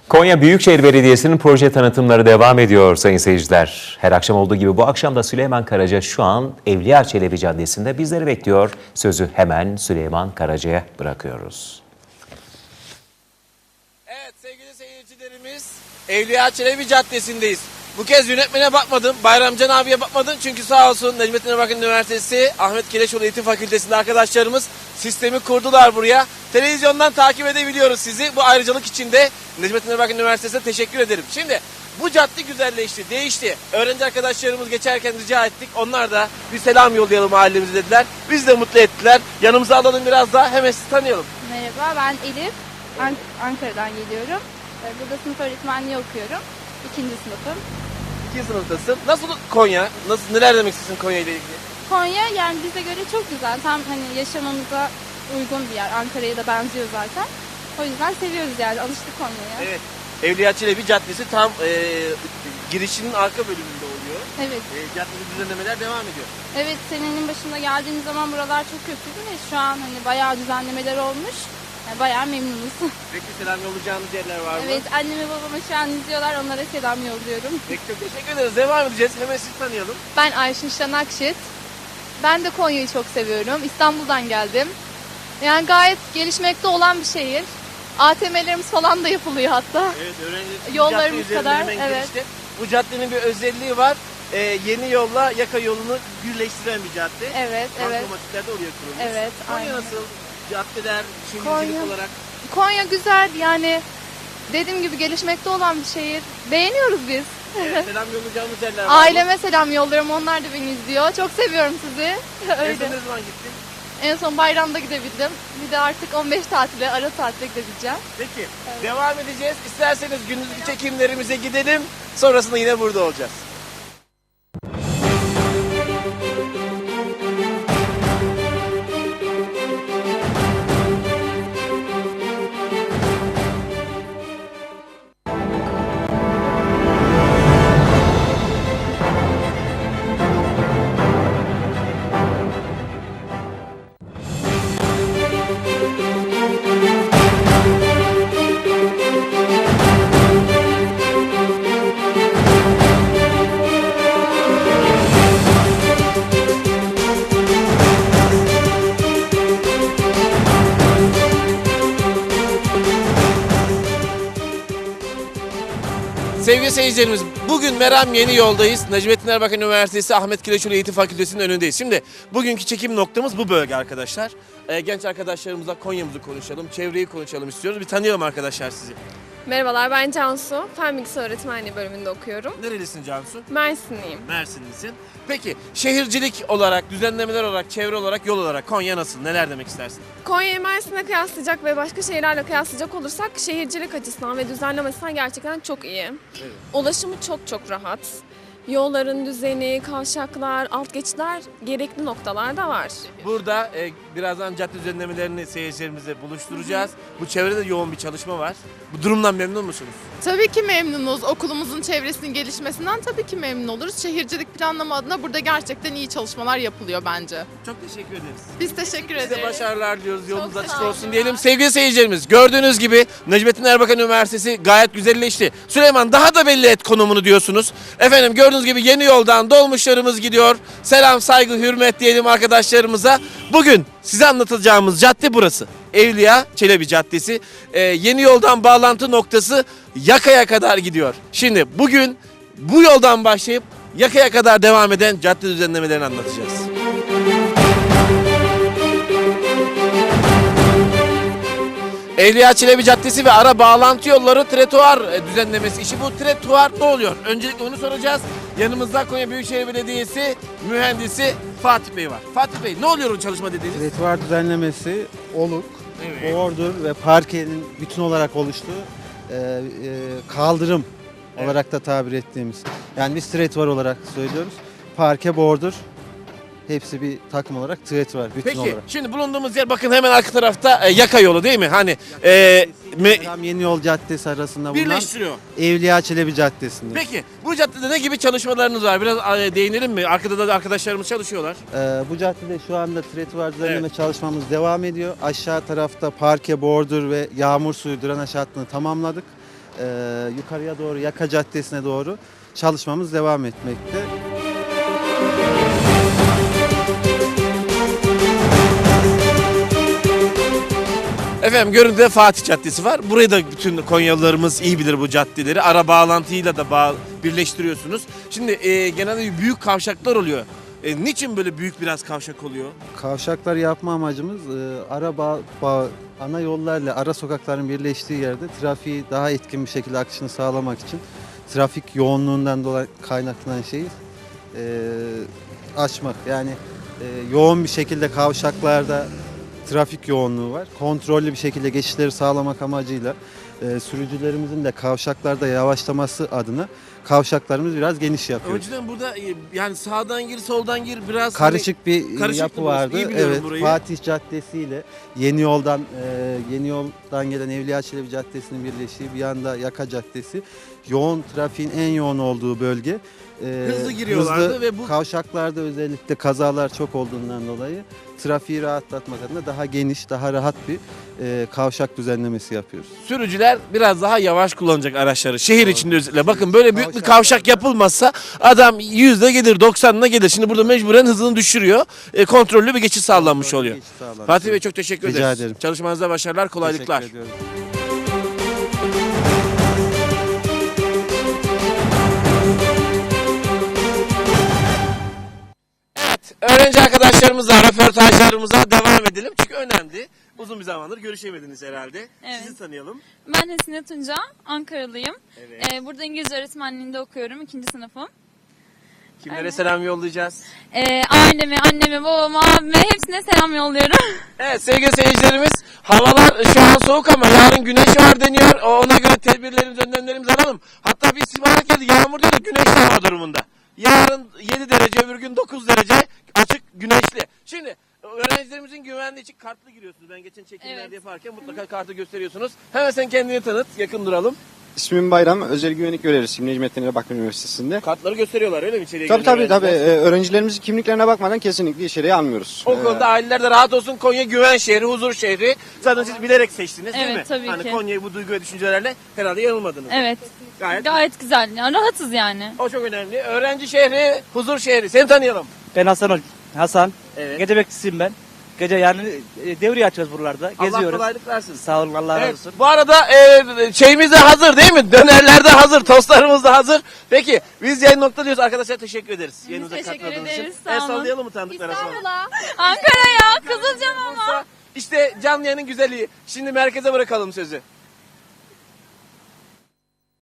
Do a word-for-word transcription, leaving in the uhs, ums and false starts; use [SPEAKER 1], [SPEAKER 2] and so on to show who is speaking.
[SPEAKER 1] Konya Büyükşehir Belediyesi'nin proje tanıtımları devam ediyor sayın seyirciler. Her akşam olduğu gibi bu akşam da Süleyman Karaca şu an Evliya Çelebi Caddesi'nde bizleri bekliyor. Sözü hemen Süleyman Karaca'ya bırakıyoruz.
[SPEAKER 2] Evet sevgili seyircilerimiz, Evliya Çelebi Caddesi'ndeyiz. Bu kez yönetmene bakmadım, Bayramcan abiye bakmadım çünkü sağ olsun Necmettin Erbakan Üniversitesi Ahmet Keleşoğlu Eğitim Fakültesi'nde arkadaşlarımız sistemi kurdular buraya. Televizyondan takip edebiliyoruz sizi. Bu ayrıcalık için de Necmettin Erbakan Üniversitesi'ne teşekkür ederim. Şimdi bu cadde güzelleşti, değişti. Öğrenci arkadaşlarımız geçerken rica ettik. Onlar da bir selam yollayalım mahallemize dediler. Biz de mutlu ettiler. Yanımıza alalım biraz daha, hemen sizi tanıyalım.
[SPEAKER 3] Merhaba, ben Elif. An- Ankara'dan geliyorum. Burada sınıf öğretmenliği okuyorum. İkinci sınıfım.
[SPEAKER 2] İkinci sınıftasın. Nasıl Konya? Nasıl, neler demek istiyorsun Konya ile ilgili?
[SPEAKER 3] Konya yani bize göre çok güzel. Tam hani yaşamamıza uygun bir yer. Ankara'ya da benziyor zaten. O yüzden seviyoruz yani. Alıştık Konya'ya.
[SPEAKER 2] Evet. Evliya Çelebi Caddesi tam e, girişinin arka bölümünde oluyor.
[SPEAKER 3] Evet.
[SPEAKER 2] E, caddede düzenlemeler devam ediyor.
[SPEAKER 3] Evet, senenin başında geldiğimiz zaman buralar çok kötüydü ve şu an hani bayağı düzenlemeler olmuş. Yani bayağı memnunuz.
[SPEAKER 2] Peki selam yollayacağınız yerler var mı?
[SPEAKER 3] Evet, anneme babama şu an izliyorlar. Onlara selam yolluyorum.
[SPEAKER 2] Peki çok teşekkür ederiz. Devam edeceğiz. Hemen sizi tanıyalım.
[SPEAKER 4] Ben Ayşin Şanakşit. Ben de Konya'yı çok seviyorum. İstanbul'dan geldim. Yani gayet gelişmekte olan bir şehir. A T M'lerimiz falan da yapılıyor hatta.
[SPEAKER 2] Evet, öğrenci
[SPEAKER 4] Yollarımız
[SPEAKER 2] cadde
[SPEAKER 4] kadar,
[SPEAKER 2] üzerinden hemen
[SPEAKER 4] evet.
[SPEAKER 2] girişte. Bu caddenin bir özelliği var. Ee, yeni yolla yaka yolunu birleştiren bir cadde.
[SPEAKER 4] Evet, evet.
[SPEAKER 2] Bankamatikler de oraya kurulmuş.
[SPEAKER 4] Evet,
[SPEAKER 2] Konya
[SPEAKER 4] aynen.
[SPEAKER 2] nasıl? Caddeler, şehircilik
[SPEAKER 4] Konya-
[SPEAKER 2] olarak.
[SPEAKER 4] Konya güzel yani dediğim gibi gelişmekte olan bir şehir. Beğeniyoruz biz.
[SPEAKER 2] Evet, selam yollayacağımız yerler var mı?
[SPEAKER 4] Aileme selam yolluyorum. Onlar da beni izliyor. Çok seviyorum sizi.
[SPEAKER 2] En son
[SPEAKER 4] Öyle.
[SPEAKER 2] ne zaman gittin?
[SPEAKER 4] En son bayramda gidebildim. Bir de artık on beş tatile, ara tatile gidebileceğim.
[SPEAKER 2] Peki, devam edeceğiz. İsterseniz gündüzlük çekimlerimize gidelim. Sonrasında yine burada olacağız. Sevgili seyircilerimiz, bugün Meram Yeni Yol'dayız. Necmettin Erbakan Üniversitesi Ahmet Keleşoğlu Eğitim Fakültesi'nin önündeyiz. Şimdi bugünkü çekim noktamız bu bölge arkadaşlar. Ee, genç arkadaşlarımızla Konya'mızı konuşalım, çevreyi konuşalım istiyoruz. Bir tanıyalım arkadaşlar sizi.
[SPEAKER 5] Merhabalar, ben Cansu. Fen Bilgisi Öğretmenliği bölümünde okuyorum.
[SPEAKER 2] Nerelisin Cansu?
[SPEAKER 5] Mersinliyim.
[SPEAKER 2] Mersinlisin. Peki şehircilik olarak, düzenlemeler olarak, çevre olarak, yol olarak Konya nasıl? Neler demek istersin?
[SPEAKER 5] Konya'yı Mersin'e kıyaslayacak ve başka şehirlerle kıyaslayacak olursak şehircilik açısından ve düzenleme açısından gerçekten çok iyi.
[SPEAKER 2] Evet.
[SPEAKER 5] Ulaşımı çok çok rahat. Yolların düzeni, kavşaklar, alt geçitler gerekli noktalarda var.
[SPEAKER 2] Burada e, birazdan cadde düzenlemelerini seyircilerimizle buluşturacağız. Bu çevrede yoğun bir çalışma var. Bu durumdan memnun musunuz?
[SPEAKER 6] Tabii ki memnunuz. Okulumuzun çevresinin gelişmesinden tabii ki memnun oluruz. Şehircilik planlama adına burada gerçekten iyi çalışmalar yapılıyor bence.
[SPEAKER 2] Çok teşekkür ederiz.
[SPEAKER 6] Biz teşekkür
[SPEAKER 2] Size
[SPEAKER 6] ederiz.
[SPEAKER 2] başarılar diliyoruz. Yolunuz
[SPEAKER 6] sağ
[SPEAKER 2] açık
[SPEAKER 6] olun.
[SPEAKER 2] olsun diyelim. Sevgili seyircilerimiz, gördüğünüz gibi Necmettin Erbakan Üniversitesi gayet güzelleşti. Süleyman, daha da belli et konumunu diyorsunuz. Efendim gördüğünüz gibi yeni yoldan dolmuşlarımız gidiyor. Selam, saygı, hürmet diyelim arkadaşlarımıza. Bugün size anlatacağımız cadde burası. Evliya Çelebi Caddesi. Ee, yeni yoldan bağlantı noktası Yaka'ya kadar gidiyor. Şimdi bugün bu yoldan başlayıp Yaka'ya kadar devam eden cadde düzenlemelerini anlatacağız. Evliya Çelebi Caddesi ve ara bağlantı yolları tretuar e, düzenlemesi işi. Bu tretuar ne oluyor? Öncelikle onu soracağız. Yanımızda Konya Büyükşehir Belediyesi mühendisi Fatih Bey var. Fatih Bey, ne oluyor o çalışma dediğiniz?
[SPEAKER 7] Tretuar düzenlemesi, oluk,
[SPEAKER 2] Evet.
[SPEAKER 7] bordür ve parkenin bütün olarak oluştuğu e, e, kaldırım
[SPEAKER 2] Evet.
[SPEAKER 7] olarak da tabir ettiğimiz. Yani biz tretuar olarak söylüyoruz. Parke, bordür hepsi bir takım olarak tret var bütün
[SPEAKER 2] Peki
[SPEAKER 7] olarak.
[SPEAKER 2] şimdi bulunduğumuz yer bakın hemen arka tarafta e, Yaka yolu değil mi? Hani e, me-
[SPEAKER 7] Tam Yeni Yol Caddesi arasında bulunan
[SPEAKER 2] birleştiriyor.
[SPEAKER 7] Evliya Çelebi Caddesi'nde.
[SPEAKER 2] Peki bu caddede ne gibi çalışmalarınız var? Biraz e, değinelim mi? Arkada da arkadaşlarımız çalışıyorlar.
[SPEAKER 7] Ee, bu caddede şu anda trotüar düzenleme çalışmamız devam ediyor. Aşağı tarafta parke, bordür ve yağmur suyu drenaj hattını tamamladık. Ee, yukarıya doğru Yaka Caddesi'ne doğru çalışmamız devam etmekte.
[SPEAKER 2] Efendim görüntüde Fatih Caddesi var. Burayı da bütün Konyalılarımız iyi bilir bu caddeleri. Ara bağlantıyla da bağ birleştiriyorsunuz. Şimdi e, genelde büyük kavşaklar oluyor. E, niçin böyle büyük biraz kavşak oluyor?
[SPEAKER 7] Kavşaklar yapma amacımız e, ara bağ, bağ- ana yollarla ara sokakların birleştiği yerde trafiği daha etkin bir şekilde akışını sağlamak için trafik yoğunluğundan dolayı kaynaklanan şeyi e, açmak. Yani e, yoğun bir şekilde kavşaklarda trafik yoğunluğu var. Kontrollü bir şekilde geçişleri sağlamak amacıyla e, sürücülerimizin de kavşaklarda yavaşlaması adına kavşaklarımız biraz geniş yapıyoruz.
[SPEAKER 2] Önceden burada e, yani sağdan gir soldan gir biraz
[SPEAKER 7] Karışık bir
[SPEAKER 2] karışıktı
[SPEAKER 7] yapı
[SPEAKER 2] burası.
[SPEAKER 7] vardı.
[SPEAKER 2] İyi biliyorum
[SPEAKER 7] Evet,
[SPEAKER 2] burayı.
[SPEAKER 7] Fatih Caddesi ile Yeni Yoldan e, Yeni Yoldan gelen Evliya Çelebi Caddesi'nin birleştiği bir yanda Yaka Caddesi. Yoğun trafiğin en yoğun olduğu bölge. E,
[SPEAKER 2] Hızlı giriyorlardı
[SPEAKER 7] hızlı
[SPEAKER 2] ve bu-
[SPEAKER 7] kavşaklarda özellikle kazalar çok olduğundan dolayı trafiği rahatlatmak adına daha geniş, daha rahat bir e, kavşak düzenlemesi yapıyoruz.
[SPEAKER 2] sürücüler biraz daha yavaş kullanacak araçları. Şehir içinde özellikle. Bakın
[SPEAKER 7] Şehir
[SPEAKER 2] böyle büyük bir
[SPEAKER 7] kavşaklarda-
[SPEAKER 2] kavşak yapılmazsa adam yüzde gelir doksanına gelir. Şimdi burada mecburen hızını düşürüyor. E, kontrollü bir geçiş sağlanmış oluyor.
[SPEAKER 7] Geçiş sağlanmış
[SPEAKER 2] Fatih Bey
[SPEAKER 7] oluyor.
[SPEAKER 2] çok teşekkür
[SPEAKER 7] Rica
[SPEAKER 2] ederiz.
[SPEAKER 7] ederim.
[SPEAKER 2] Çalışmanızda başarılar, kolaylıklar.
[SPEAKER 7] Teşekkür ediyorum.
[SPEAKER 2] Öğrenci arkadaşlarımızla, röportajlarımıza devam edelim. Çünkü önemli. Uzun bir zamandır görüşemediniz herhalde.
[SPEAKER 8] Evet.
[SPEAKER 2] Sizi tanıyalım.
[SPEAKER 8] Ben Hesine Tunca, Ankaralıyım.
[SPEAKER 2] Evet.
[SPEAKER 8] Ee, burada İngilizce öğretmenliğinde okuyorum, ikinci sınıfım.
[SPEAKER 2] Kimlere
[SPEAKER 8] Aynen.
[SPEAKER 2] selam yollayacağız?
[SPEAKER 8] Ee, aileme, anneme, babama, abime hepsine selam yolluyorum.
[SPEAKER 2] Evet sevgili seyircilerimiz, havalar şu an soğuk ama yarın güneş var deniyor. Ona göre tedbirlerimizi, önlemlerimizi alalım. Hatta bir istihbarat geldi, yağmur değil de güneşli hava durumunda. Yarın yedi derece, öbür gün dokuz derece, açık, güneşli. Şimdi öğrencilerimizin güvenliği için kartlı giriyorsunuz. Ben geçen çekimlerde
[SPEAKER 8] Evet.
[SPEAKER 2] yaparken mutlaka kartı gösteriyorsunuz. Hemen sen kendini tanıt, yakın duralım.
[SPEAKER 9] İsmim Bayram, özel güvenlik görevlisiyim Necmettin Erbakan Üniversitesi'nde.
[SPEAKER 2] Kartları gösteriyorlar öyle mi içeriye
[SPEAKER 9] Tabii
[SPEAKER 2] giren
[SPEAKER 9] tabii tabii.
[SPEAKER 2] öğrenciler?
[SPEAKER 9] Ee, öğrencilerimizin kimliklerine bakmadan kesinlikle içeriye almıyoruz.
[SPEAKER 2] O
[SPEAKER 9] Ee,
[SPEAKER 2] konuda aileler de rahat olsun. Konya güven şehri, huzur şehri. Zaten siz bilerek seçtiniz değil
[SPEAKER 8] Evet,
[SPEAKER 2] mi?
[SPEAKER 8] tabii
[SPEAKER 2] hani
[SPEAKER 8] ki.
[SPEAKER 2] Konya'yı bu duygu ve düşüncelerle herhalde yanılmadınız.
[SPEAKER 8] Evet,
[SPEAKER 2] Gayet.
[SPEAKER 8] gayet güzel. Yani rahatız yani.
[SPEAKER 2] O çok önemli. Öğrenci şehri, huzur şehri. Seni tanıyalım.
[SPEAKER 10] Ben Hasan Ol- Hasan.
[SPEAKER 2] Evet.
[SPEAKER 10] Gece bekçisiyim ben. Gece yani e, devriye açıyoruz buralarda.
[SPEAKER 2] Allah
[SPEAKER 10] Geziyoruz.
[SPEAKER 2] kolaylık versin.
[SPEAKER 10] Sağ olun, Allah razı
[SPEAKER 2] Evet.
[SPEAKER 10] olsun.
[SPEAKER 2] Bu arada e, şeyimiz de hazır değil mi? Dönerler de hazır, tostlarımız da hazır. Peki biz yayın nokta diyoruz. Arkadaşlar teşekkür ederiz.
[SPEAKER 8] Biz
[SPEAKER 2] Yayınımıza
[SPEAKER 8] teşekkür
[SPEAKER 2] katıldığınız
[SPEAKER 8] ederiz,
[SPEAKER 2] için.
[SPEAKER 8] sağ
[SPEAKER 2] El
[SPEAKER 8] olun.
[SPEAKER 2] sallayalım mı tanıdıklara sonra?
[SPEAKER 4] İstanbul'a.
[SPEAKER 8] Ankara'ya, Kızılcamam'a.
[SPEAKER 2] İşte canlı yayının güzelliği. Şimdi merkeze bırakalım sözü.